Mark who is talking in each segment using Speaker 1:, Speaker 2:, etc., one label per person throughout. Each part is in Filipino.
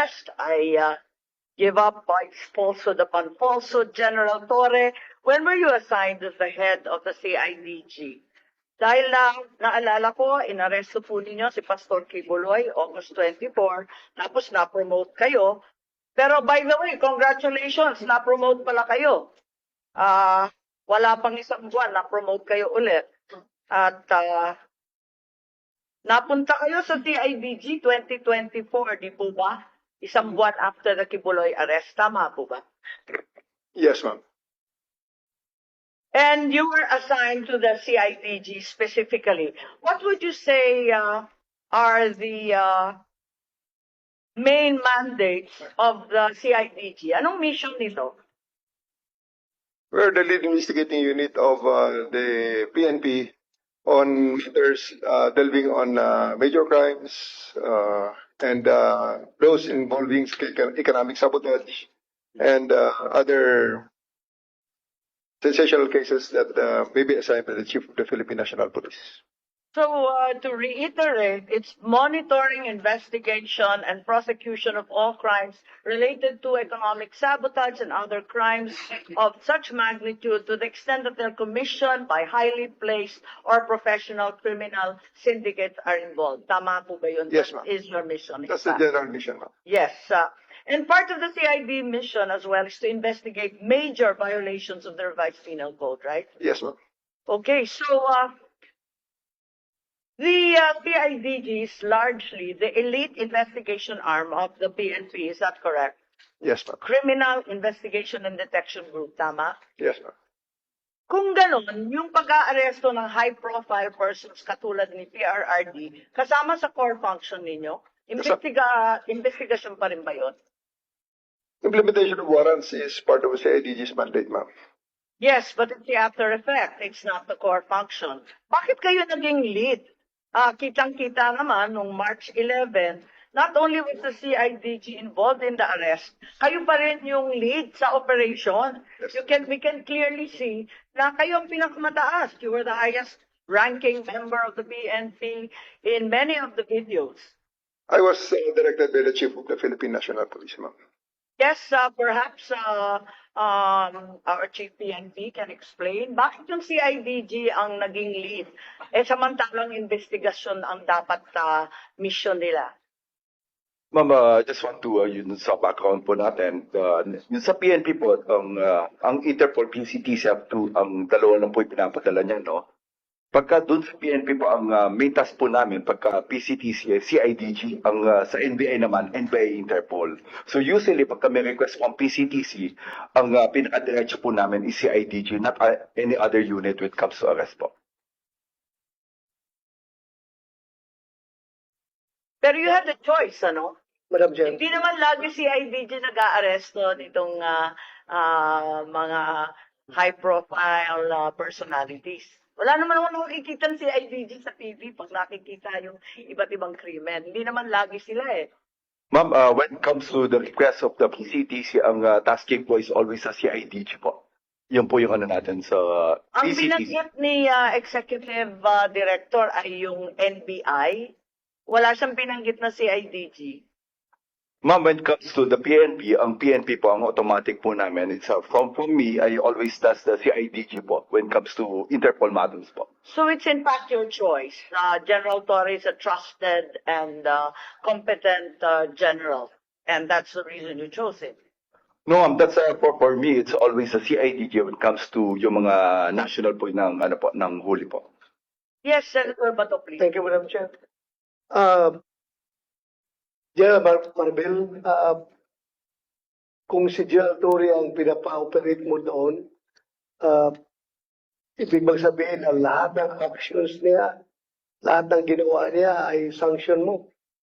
Speaker 1: arrest. I give up by falsehood upon falsehood. General Torre, when were you assigned as the head of the CIDG? Dahil naalala ko, inaresto po ninyo si Pastor Kibuloy, August 24, tapos na-promote kayo. Pero by the way, congratulations, na-promote pala kayo. Wala pang isang buwan, na-promote kayo ulit. At napunta kayo sa CIDG 2024, di po ba? Isang buwan after the Kibuloy arrest, tama po ba?
Speaker 2: Yes, ma'am.
Speaker 1: And you were assigned to the CIDG specifically. What would you say are the main mandates of the CIDG? Anong mission nito?
Speaker 2: We're the lead investigating unit of the PNP on matters delving on major crimes and those involving economic sabotage and other sensational cases that may be assigned by the Chief of the Philippine National Police.
Speaker 1: So, to reiterate, it's monitoring, investigation, and prosecution of all crimes related to economic sabotage and other crimes of such magnitude to the extent that they're commissioned by highly placed or professional criminal syndicates are involved. Tama po ba yun?
Speaker 2: Yes, ma'am.
Speaker 1: That is your mission.
Speaker 2: That's the general mission, ma'am.
Speaker 1: Yes. And part of the CID mission as well is to investigate major violations of the revised penal code, right?
Speaker 2: Yes, ma'am.
Speaker 1: Okay, so the CIDG is largely the elite investigation arm of the PNP, is that correct?
Speaker 2: Yes, ma'am.
Speaker 1: Criminal Investigation and Detection Group, tama?
Speaker 2: Yes, ma'am.
Speaker 1: Kung ganon, yung pag-aaresto ng high-profile persons katulad ni PRRD, kasama sa core function ninyo, investigasyon pa rin ba yun?
Speaker 2: Implementation of warrants is part of the CIDG's mandate, ma'am.
Speaker 1: Yes, but it's the after effect. It's not the core function. Bakit kayo naging lead? Kitang-kita naman nung March 11, not only was the CIDG involved in the arrest, kayo pa rin yung lead sa operation.
Speaker 2: Yes.
Speaker 1: We can clearly see na kayo ang pinakamataas. You were the highest ranking member of the PNP in many of the videos.
Speaker 2: I was directed by the Chief of the Philippine National Police, ma'am.
Speaker 1: Yes, perhaps our Chief PNP can explain bakit yung CIDG ang naging lead samantalang investigasyon ang dapat mission nila.
Speaker 3: Ma'am, just want to, yun sa background po natin, yun sa PNP po, ang Interpol PCTC ang dalawa lang po yung pinapadala niya, no? Pagka doon sa PNP po, ang main task po namin, pagka PCTC, CIDG, ang sa NBI naman, NBI Interpol. So usually, pagka may request po ang PCTC, ang pinakadiretso po namin is CIDG, not any other unit when it comes to arrest po.
Speaker 1: Pero you had a choice, ano?
Speaker 2: Madam Chair.
Speaker 1: Hindi naman lagi CIDG nag-aaresto nitong mga high-profile personalities. Wala naman ako nakikita ng CIDG sa TV pag nakikita yung iba't ibang krimen. Hindi naman lagi sila eh.
Speaker 3: Ma'am, when it comes to the request of the PCTC, ang tasking po is always sa CIDG po. Yun po yung ano natin sa
Speaker 1: Ang
Speaker 3: PCTC.
Speaker 1: binanggit ni Executive Director ay yung NBI. Wala siyang binanggit na CIDG.
Speaker 3: Ma'am, when it comes to the PNP, ang PNP po, ang automatic po namin, it's from me, I always does the CIDG po when it comes to Interpol matters po.
Speaker 1: So it's in fact your choice. General Torre is a trusted and competent general. And that's the reason you chose him.
Speaker 3: No, ma'am, that's for me, it's always a CIDG when it comes to yung mga national po ng, ano po, ng huli po.
Speaker 1: Yes, Senator Bato, please.
Speaker 4: Thank you, Madam Chair. General Marvel, kung si General Torre ang pinapa-operate mo doon, ibig bang sabihin na lahat ng actions niya, lahat ng ginawa niya ay sanction mo?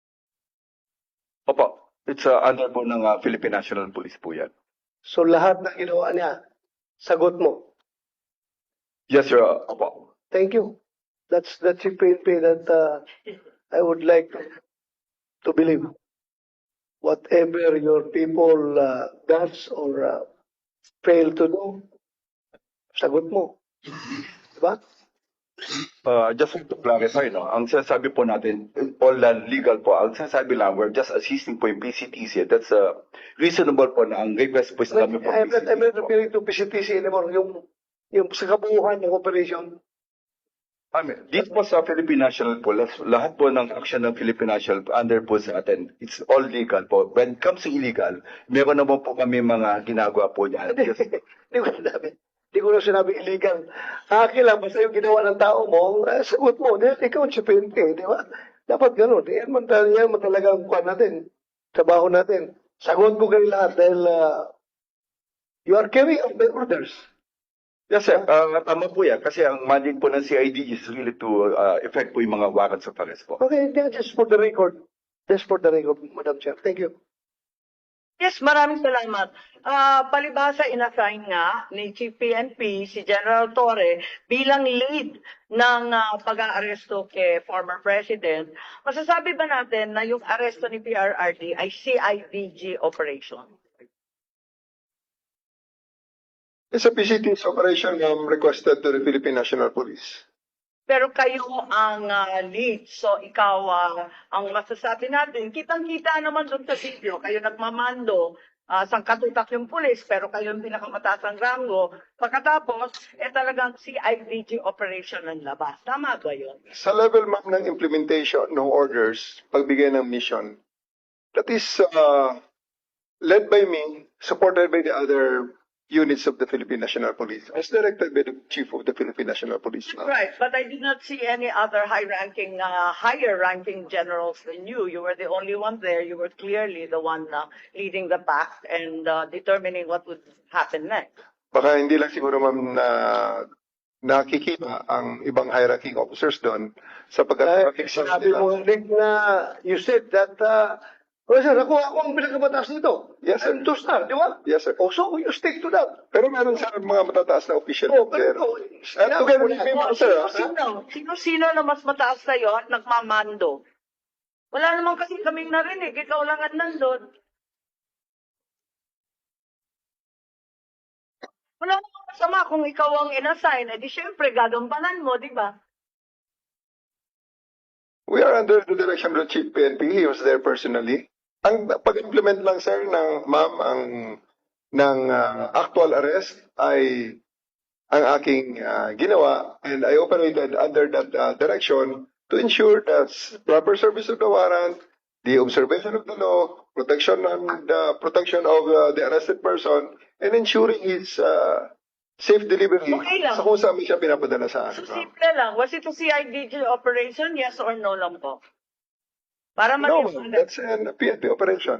Speaker 3: Opo, it's under po ng Philippine National Police po yan.
Speaker 4: So lahat ng ginawa niya, sagot mo?
Speaker 3: Yes, sir. Opo.
Speaker 4: Thank you. That's the PNP that I would like to believe. Whatever your people does or fail to do, sagot mo. Diba?
Speaker 3: Just want to clarify, no, ang sinasabi po natin, all legal po, ang sinasabi lang, we're just assisting po yung PCTC. That's reasonable po na ang request po is kami po
Speaker 4: I'm not
Speaker 3: PCTC.
Speaker 4: referring to PCTC anymore. Yung sa kabuuan ng operation.
Speaker 3: Dito po sa Philippine National po, lahat po ng action ng Philippine National under po sa atin, it's all legal po. When it comes to illegal, meron naman po kami mga ginagawa po niyan.
Speaker 4: Hindi ko sinabi. Hindi ko na sinabi illegal. Akin lang, basta yung ginawa ng tao mo, sagot mo, dahil ikaw si PNP, di ba? Dapat ganun. Yan man talaga ang kuhan natin. Trabaho natin. Sagot ko kayo lahat dahil you are carrying out my orders.
Speaker 3: Yes, sir. Tama po yan. Kasi ang mandate po ng CID is really to effect po yung mga warrants of arrest po.
Speaker 4: Okay, just for the record. Just for the record, Madam Chair. Thank you.
Speaker 1: Yes, maraming salamat. Palibhasa, inassign nga ni Chief PNP si General Torre bilang lead ng pag-aaresto kay former President. Masasabi ba natin na yung aresto ni PRRD ay CIDG operation?
Speaker 2: It's a PCT's operation requested to the Philippine National Police.
Speaker 1: Pero kayo ang lead, so ikaw ang masasabi natin. Kitang-kita naman doon sa video, kayo nagmamando, sangkatutak yung pulis, pero kayo yung pinakamataas ang rango. Pagkatapos, talagang CIDG operation ng labas. Tama ba yun?
Speaker 2: Sa level ma'am ng implementation ng orders, pagbigay ng mission, that is led by me, supported by the other units of the Philippine National Police, as directed by the Chief of the Philippine National Police.
Speaker 1: Right, but I did not see any other higher-ranking generals than you. You were the only one there. You were clearly the one leading the pack and determining what would happen next.
Speaker 2: Baka hindi lang siguro ma'am na nakikita ang ibang high-ranking officers doon sapagkat
Speaker 4: Sabi mo, Nick, na you said that, sir, ako ang pinakabataas nito.
Speaker 2: Yes, sir.
Speaker 4: I'm two-star, di ba?
Speaker 2: Yes, sir.
Speaker 4: Oh, so you stick to that.
Speaker 2: Pero meron sa mga matataas na official.
Speaker 4: Oh,
Speaker 2: pero,
Speaker 4: pero,
Speaker 2: together with me, sir.
Speaker 1: Sino na mas mataas sa'yo at nagmamando? Wala naman kasi kaming narinig. Ikaw lang ang nandun. Wala naman masama kung ikaw ang inassign. Di syempre, gagampanan mo, di ba?
Speaker 2: We are under the direction of the Chief PNP. He was there personally. Ang pag-implement lang, sir, ng actual arrest ay ang aking ginawa, and I operated under that direction to ensure that proper service of the warrant, the observation of the law, protection of the arrested person, and ensuring his safe delivery
Speaker 1: Okay lang.
Speaker 2: sa kung saan siya pinapadala sa
Speaker 1: So,
Speaker 2: akin.
Speaker 1: simple lang. Was it a CIDG operation? Yes or no lang po? Para
Speaker 2: No,
Speaker 1: maliwanag.
Speaker 2: that's an PNP operation.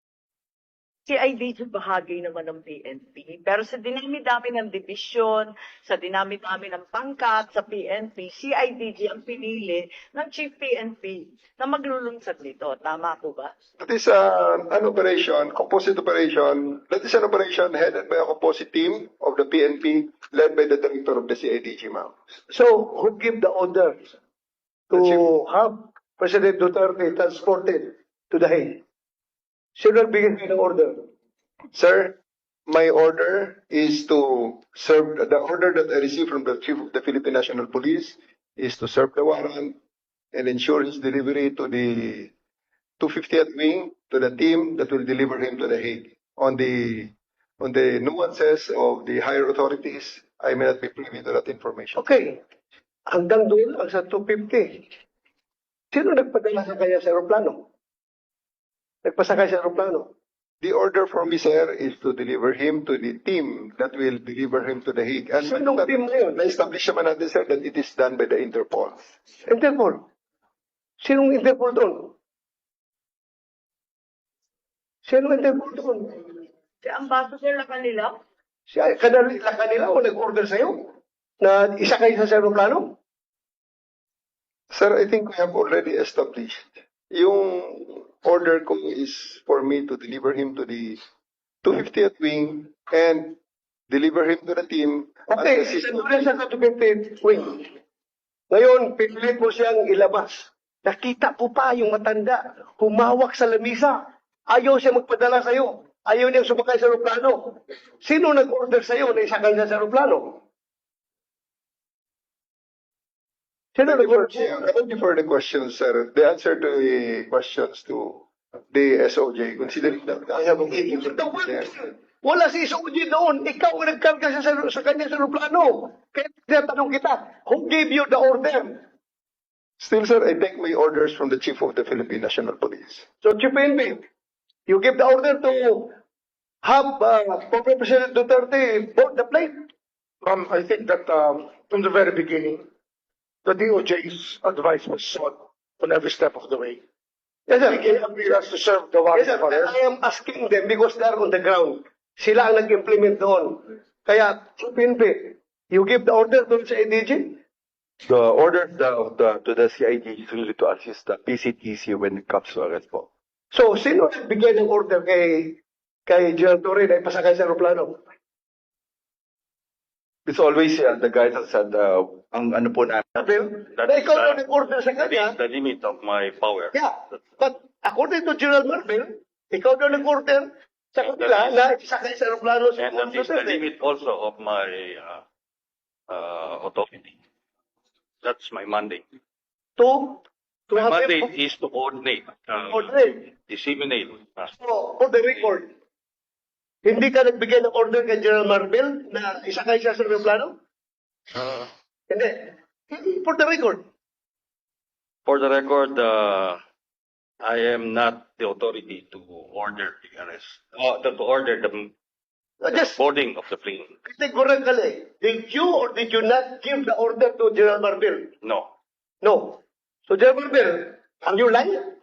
Speaker 1: CIDG bahagi naman ng PNP. Pero sa dinami-dami ng division, sa dinami-dami ng pangkat sa PNP, CIDG ang pinili ng Chief PNP na maglulunsad nito. Tama po ba?
Speaker 2: That is an operation, composite operation. That is an operation headed by a composite team of the PNP, led by the director of the CIDG, ma'am.
Speaker 4: So, who give the order to
Speaker 2: The chief.
Speaker 4: have President Duterte transported to the Hague? Sino nagbigay ng order?
Speaker 2: Sir, my order is to serve, the order that I received from the Chief of the Philippine National Police is to serve the warrant and ensure his delivery to the 250th wing, to the team that will deliver him to the Hague. On the nuances of the higher authorities, I may not be privy to that information.
Speaker 4: Okay. Hanggang doon, ang sa 250. Sino nagpadala sa kanya sa aeroplano? Nagpasakay sa aeroplano.
Speaker 2: The order from me, sir, is to deliver him to the team that will deliver him to the Hague. And
Speaker 4: Sinong team na yun?
Speaker 2: na-establish naman natin, sir, that it is done by the Interpol.
Speaker 4: Interpol. Sinong Interpol doon? Sinong Interpol doon?
Speaker 1: Si Ambassador na kanila?
Speaker 4: Kanila o nag-order sa'yo na isakay sa aeroplano?
Speaker 2: Sir, I think we have already established. Yung order ko is for me to deliver him to the 250th wing and deliver him to the team.
Speaker 4: Okay,
Speaker 2: as assistant.
Speaker 4: doon sa 250 wing. Ngayon, pinilit mo siyang ilabas. Nakita po pa yung matanda, humawak sa lamisa. Ayaw siya magpadala sa'yo. Ayaw niyang sumakay sa aeroplano. Sino nag-order sa'yo na isakay siya sa aeroplano? Sino
Speaker 2: Thank you for,
Speaker 4: nag-order?
Speaker 2: thank you for the questions, sir. The answer to the questions to the SOJ, considering that I have a meeting with the there.
Speaker 4: Wala si SOG doon. Ikaw ang nagkarga sa kanya sa aeroplano. Kaya tinatanong kita, who gave you the order?
Speaker 2: Still, sir, I take my orders from the Chief of the Philippine National Police.
Speaker 4: So, Chief PNP, you give the order to have former President Duterte board the plane?
Speaker 5: I think that from the very beginning, the DOJ's advice was sought on every step of the way.
Speaker 4: Yes, sir.
Speaker 5: He agreed us to serve the warrant
Speaker 4: Yes, sir.
Speaker 5: of arrest.
Speaker 4: I am asking them because they are on the ground. Sila ang nag-implement doon. Kaya, Chief PNP, you give the order doon sa ADG?
Speaker 3: The order to the CID is really to assist the PCTC when it comes to arrest po.
Speaker 4: So, sino nagbigay ng order kay General Torre na ipasakay sa aeroplano?
Speaker 3: It's always the guidance and ang ano po namin.
Speaker 4: Na ikaw na nag-order sa kanya.
Speaker 6: The limit of my power.
Speaker 4: Yeah, but according to General Marvel, ikaw na nag-order sa kanila na ipasakay sa aeroplano sa
Speaker 6: And that is the limit also of my authority. That's my mandate.
Speaker 4: To
Speaker 6: My
Speaker 4: have
Speaker 6: mandate
Speaker 4: him
Speaker 6: is to coordinate,
Speaker 4: order.
Speaker 6: disseminate.
Speaker 4: So, for the record, hindi ka nagbigay ng order kay General Marvel na isakay siya sa aeroplano? Hindi. For the record.
Speaker 6: For the record, I am not the authority to order the arrest, to order the
Speaker 4: Just
Speaker 6: boarding of the plane.
Speaker 4: categorically, did you or did you not give the order to General Marvel?
Speaker 6: No.
Speaker 4: No. So, General Marvel, are you lying?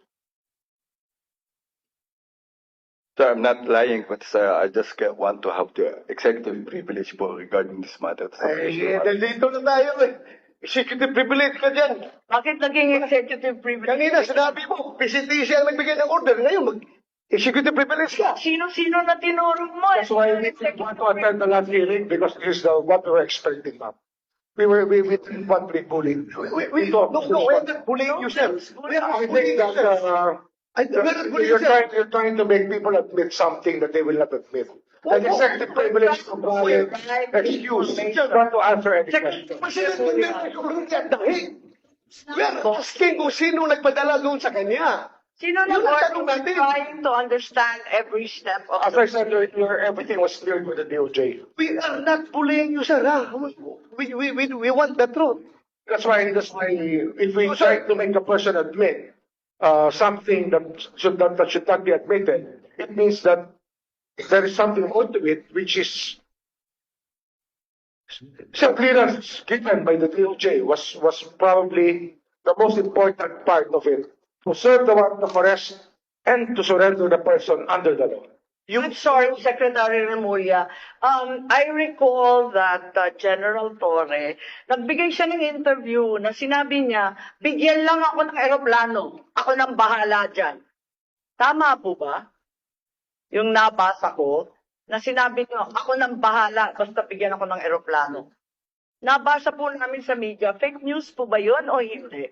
Speaker 3: So I'm not lying, but I just want to have the executive privilege po regarding this matter.
Speaker 4: Nandito na tayo eh. Executive privilege ka dyan.
Speaker 1: Bakit naging executive privilege?
Speaker 4: Kanina, sinabi mo, PCTC ang nagbigay ng order. Ngayon, executive privilege ka.
Speaker 1: Sino-sino na tinuro mo?
Speaker 5: That's why we didn't want to attend the last hearing because this is what we were expecting, ma'am. We didn't want to be bullied.
Speaker 4: We're not bullying you, sir. We are
Speaker 5: I
Speaker 4: not bullying
Speaker 5: think
Speaker 4: you, sir.
Speaker 5: that
Speaker 4: We're not bullying you, sir.
Speaker 5: you're trying to make people admit something that they will not admit. An executive privilege compliant excuse not to answer any question.
Speaker 4: President Duterte already at the Hague. We are asking kung sino nagpadala doon sa kanya.
Speaker 1: Sino na
Speaker 4: Yun ang tanong natin.
Speaker 1: trying to understand every step of
Speaker 5: As I said, everything was cleared with the DOJ.
Speaker 4: We are not bullying you, sir. Ha? We want the truth.
Speaker 5: That's why if we try to make a person admit something that should not be admitted, it means that there is something more to it, which is the clearance given by the DOJ was probably the most important part of it, to serve the warrant of arrest and to surrender the person under the law.
Speaker 1: I'm sorry, Secretary Remulla. I recall that General Torre, nagbigay siya ng interview na sinabi niya, bigyan lang ako ng eroplano. Ako nang bahala dyan. Tama po ba? Yung nabasa ko, na sinabi niyo, ako nang bahala, basta bigyan ako ng eroplano. Nabasa po namin sa media, fake news po ba yun o hindi?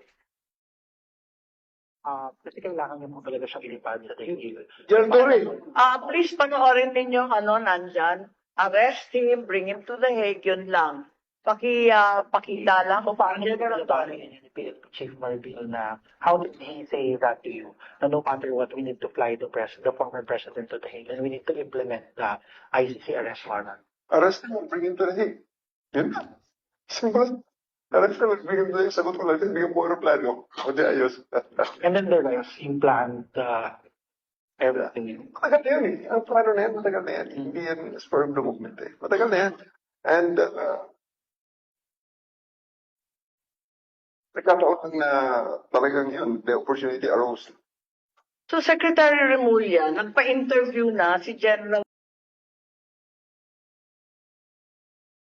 Speaker 7: Kasi kailangan niyo po talaga siyang ilipad sa tingin.
Speaker 4: General Torre,
Speaker 1: Please panoorin ninyo nandyan. Arrest him, bring him to the Hague, yun lang. Pakita lang kung paano General Torre.
Speaker 7: Chief Marbil na how did he say that to you? Na no matter what, we need to fly the former president to the Hague and we need to implement the ICC arrest warrant.
Speaker 2: Arrest him, bring him to the Hague. Yun na. Simple. Arrest him, bring him to the Hague. Sagot ko lang, bigyan mo aeroplano. O di ayos.
Speaker 7: And then there was implant everything.
Speaker 2: Matagal na yan eh. Ang plano na yan, matagal na yan. Hindi yan spur of the movement eh. Matagal na yan. And nagkataon lang na talagang yun, the opportunity arose.
Speaker 1: So Secretary Remulla, nagpa-interview na si General